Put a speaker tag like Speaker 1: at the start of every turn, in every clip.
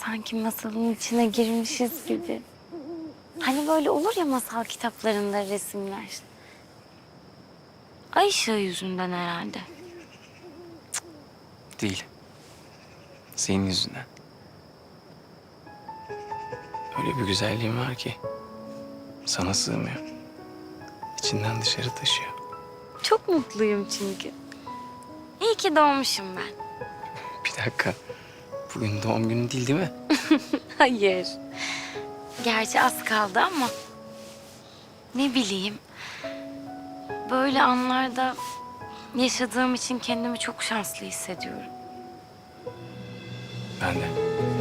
Speaker 1: Sanki masalın içine girmişiz gibi. Hani böyle olur ya masal kitaplarında resimler. Ay ışığı yüzünden herhalde.
Speaker 2: Değil. Senin yüzünden. Öyle bir güzelliğin var ki sana sığmıyor. İçinden dışarı taşıyor.
Speaker 1: Çok mutluyum çünkü. İyi ki doğmuşum ben.
Speaker 2: Bir dakika. Bugün doğum günü değil mi?
Speaker 1: Hayır. Gerçi az kaldı ama ne bileyim. Böyle anlarda yaşadığım için kendimi çok şanslı hissediyorum.
Speaker 2: Ben de.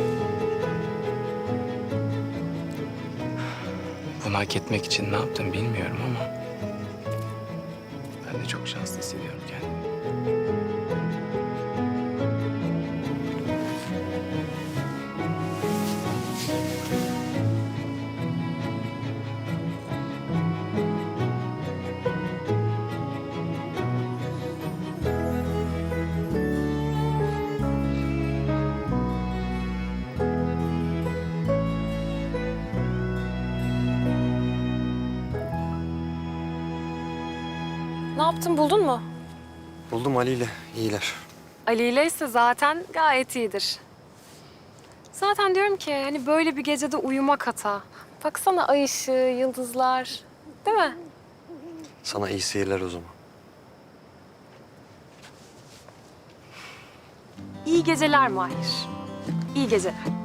Speaker 2: Bunu hak etmek için ne yaptım bilmiyorum ama ben de çok şanslı hissediyorum kendimi.
Speaker 3: Ne yaptın, buldun mu?
Speaker 4: Buldum Ali ile. İyiler.
Speaker 3: Ali ile ise zaten gayet iyidir. Zaten diyorum ki hani böyle bir gecede uyumak hata. Baksana ay ışığı, yıldızlar. Değil mi?
Speaker 4: Sana iyi seyirler o zaman.
Speaker 3: İyi geceler Mahir. İyi geceler.